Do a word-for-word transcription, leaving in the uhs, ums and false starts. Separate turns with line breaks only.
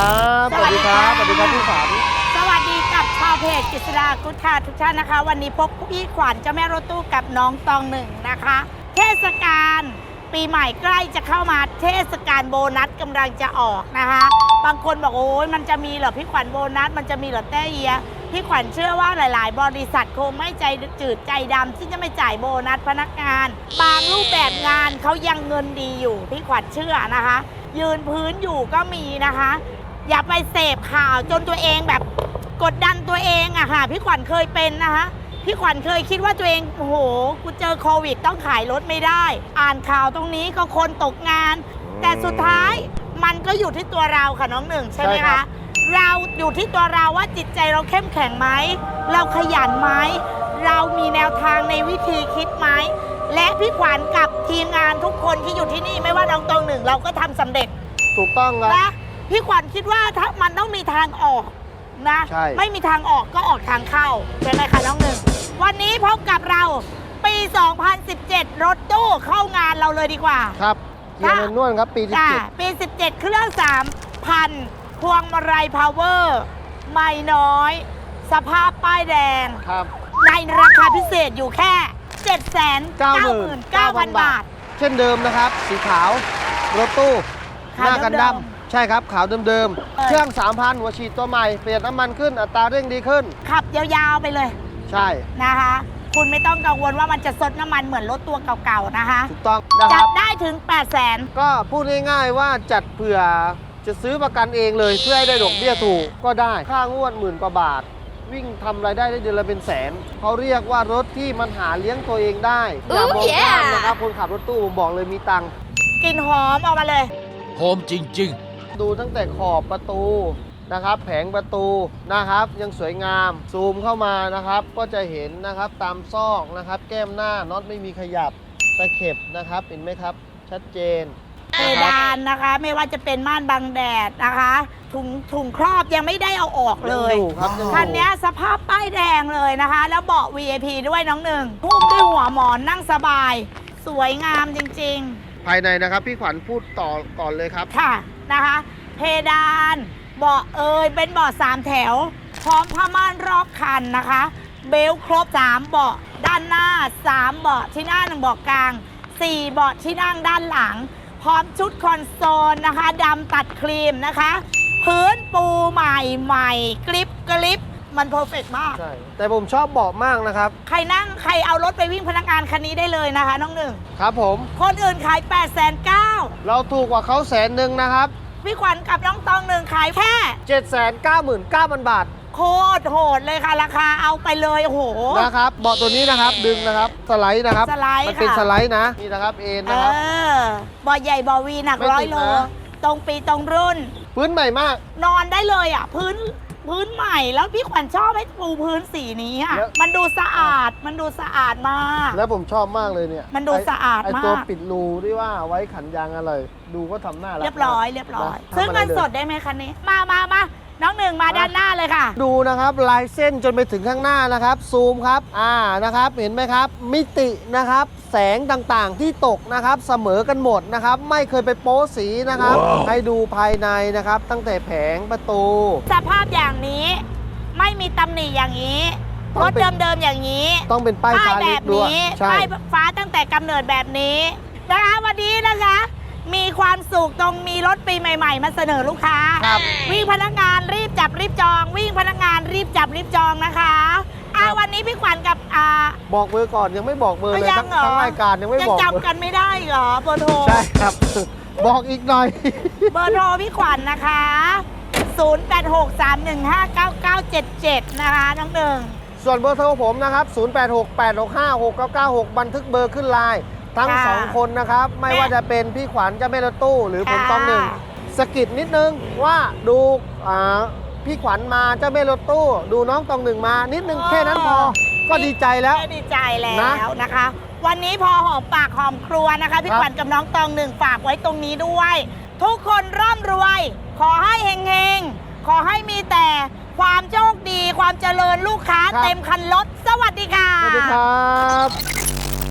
ครับสวัสดีครับสวัสดีครับพี่ขวัญ
สวัสดีกับชาวเพจกฤษดากุ๊ดค่ะทุกท่านนะคะวันนี้พบพี่ขวัญเจ้าแม่รถตู้กับน้องตองหนึ่งนะคะเทศกาลปีใหม่ใกล้จะเข้ามาเทศกาลโบนัสกำลังจะออกนะคะบางคนบอกโอ้ยมันจะมีเหรอพี่ขวัญโบนัสมันจะมีเหรอแต้เอียพี่ขวัญเชื่อว่าหลายๆ บริษัทคงไม่ใจจืดใจดำที่จะไม่จ่ายโบนัสพนักงานบางรูปแบบงานเขายังเงินดีอยู่พี่ขวัญเชื่อนะคะยืนพื้นอยู่ก็มีนะคะอย่าไปเสพข่าวจนตัวเองแบบกดดันตัวเองอะค่ะพี่ขวัญเคยเป็นนะคะพี่ขวัญเคยคิดว่าตัวเองโอ้โหกูเจอโควิดต้องขายรถไม่ได้อ่านข่าวตรงนี้ก็คนตกงานแต่สุดท้ายมันก็อยู่ที่ตัวเราค่ะน้องหนึ่งใช่ไหมคะเราอยู่ที่ตัวเราว่าจิตใจเราเข้มแข็งไหมเราขยันไหมเรามีแนวทางในวิธีคิดไหมและพี่ขวัญกับทีมงานทุกคนที่อยู่ที่นี่ไม่ว่าน้องตองหนึ่งเราก็ทำสำเร็จ
ถูกต้องครับ
นะพี่ขวัญคิดว่าถ้ามันต้องมีทางออกนะไม่มีทางออกก็ออกทางเข้าใช่ไหมคะน้องหนึ่งวันนี้พบกับเราปี สองพันสิบเจ็ด รถตู้เข้างานเราเลยดีกว่า
ครับเกียร์แมนนวลครับปีสิบเจ็ด
ปีสิบเจ็ดเครื่อง สามพัน พวงมาลัยพาวเวอร์ไม่น้อยสภาพป้ายแดง
ครับ
ในราคาพิเศษอยู่แค่ เจ็ดแสนเก้าหมื่นเก้าพัน บาท
เช่นเดิมนะครับสีขาวรถตู้หน้ากันดำใช่ครับขาวเดิมๆเครื่อง สามพัน หัวฉีดตัวใหม่เปลี่ยนน้ำมันขึ้นอัตราเร่งดีขึ้น
ขับยาวๆไปเลย
ใช่
นะคะคุณไม่ต้องกังวลว่ามันจะซดน้ำมันเหมือนรถตัวเก่าๆนะคะ
ถูกต้องนะครับ
จัดได้ถึง แปดแสน
ก็พูดง่ายๆว่าจัดเผื่อจะซื้อประกันเองเลยเพื่อให้ได้ดอกเบี้ยถูกก็ได้ค่างวดหมื่นกว่าบาทวิ่งทำรายได้ได้เดือนละเป็นแสนเขาเรียกว่ารถที่มันหาเลี้ยงตัวเองได้อย่ามองข้ามนะครับคนขับรถตู้ผมบอกเลยมีตังค์
กลิ่นหอมออกมาเลย
หอมจริง
ๆดูตั้งแต่ขอบประตูนะครับแผงประตูนะครับยังสวยงามซูมเข้ามานะครับก็จะเห็นนะครับตามซอกนะครับแก้มหน้าน็อตไม่มีขยับตะเข็บนะครับเห็นไหมครับชัดเจน
เพดานนะคะไม่ว่าจะเป็นม่านบังแดดนะคะถุงถุงครอบยังไม่ได้เอาออกเลยคันนี้สภาพป้ายแดงเลยนะคะแล้วเบาะ วี ไอ พี ด้วยน้องหนึ่งพุ่มด้วยหัวหมอนนั่งสบายสวยงามจริง
ๆภายในนะครับพี่ขวัญพูดต่อก่อนเลยครับ
ค่ะนะคะเพดานเบาะเอยเป็นเบาะสามแถวพร้อมผ้าม่านรอบคันนะคะเบลครบสามเบาะด้านหน้าสามเบาะที่หน้าหนึ่งเบาะกลางสี่เบาะที่นั่งด้านหลังพร้อมชุดคอนโซลนะคะดำตัดครีมนะคะพื้นปูใหม่ใหม่กริบกริบมันเพอร์เฟกต์มาก
ใช่แต่ผมชอบเบาะมากนะครับ
ใครนั่งใครเอารถไปวิ่งพนักงานคันนี้ได้เลยนะคะน้องหนึ่ง
ครับผม
คนอื่นขาย แปดแสนเก้าหมื่น
เราถูกกว่าเขาแสนหนึ่งนะครับ
พี่ขวัญกับน้องตองหนึ่งขายแค่
เจ็ดแสนเก้าหมื่นเก้าพัน บาท
โคตรโหดเลยค่ะราคาเอาไปเลยโอ้โห
นะครับเบาะตัวนี้นะครับดึงนะครับสไลด์นะครับ
สไลด์
มันเป็นสไลด์นะนี่นะครับเอ็นนะครับ
เออเบาะใหญ่เบาะวีหนักร้อยโลตรงปีตรงรุ่น
พื้นใหม่มาก
นอนได้เลยอ่ะพื้นพื้นใหม่แล้วพี่ขวัญชอบให้ปูพื้นสีนี้อ่ะมันดูสะอาดมันดูสะอาดมาก
แล้วผมชอบมากเลยเนี่ย
มันดูสะอาดมากไ
อตัวปิดรูที่ว่าไว้ขันยางอะไรดูก็ทำหน้า
เรียบร้อยเรียบร้อยซื้อเงินสดได้ไหมคันนี้มามามาน้องหนึ่งมาด้านหน้าเลยค่ะ
ดูนะครับลายเส้นจนไปถึงข้างหน้านะครับซูมครับอ่านะครับเห็นไหมครับมิตินะครับแสงต่างๆที่ตกนะครับเสมอกันหมดนะครับไม่เคยไปโป๊สีนะครับ wow. ให้ดูภายในนะครับตั้งแต่แผงประตู
สภาพอย่างนี้ไม่มีตำหนิอย่างนี้รถเดิมๆอย่างนี้
ต้องเป็นป้ายฟ้า
แบบนี้ป้ายฟ้าตั้งแต่กำเนิดแบบนี้นะคะวันนี้นะคะมีความสุขตรงมีรถปีใหม่ๆมาเสนอลูกค้าวิ่งพนักงานรีบจับรีบจองวิ่งพนักงานรีบจับรีบจองนะคะอ่าวันนี้พี่ขวัญกับอ่า
บอกเบอร์ก่อนยังไม่บอกเบอร์เลยทั้งรายการยังไม่บอก
ยังจำกันไม่ได้เหรอเบอร์โทร
ใช่ครับบอกอีกหน่อย
เบอร์โทรพี่ขวัญนะคะศูนย์ แปด หก สาม หนึ่ง ห้า เก้า เก้า เจ็ด เจ็ดนะคะน้องหนึ่ง
ส่วนเบอร์โทรผมนะครับศูนย์ แปด หก แปด หก ห้า หก เก้า เก้า หกบันทึกเบอร์ขึ้นไลน์ทั้งสองคนนะครับไม่ว่าจะเป็นพี่ขวัญเจ้าแม่รถตู้หรือผมตองหนึ่งสกิดนิดนึงว่าดูอ่าพี่ขวัญมาเจ้าแม่รถตู้ดูน้องตองหนึ่งมานิดนึงแค่นั้นพอก็ดีใจแล้ว
ดีใจแล้วนะคะวันนี้พอหอมปากหอมครัวนะคะพี่ขวัญกับน้องตองหนึ่งฝากไว้ตรงนี้ด้วยทุกคนร่ำรวยขอให้เฮงๆขอให้มีแต่ความโชคดีความเจริญลูกค้าเต็มคันรถสวัสดีค่ะ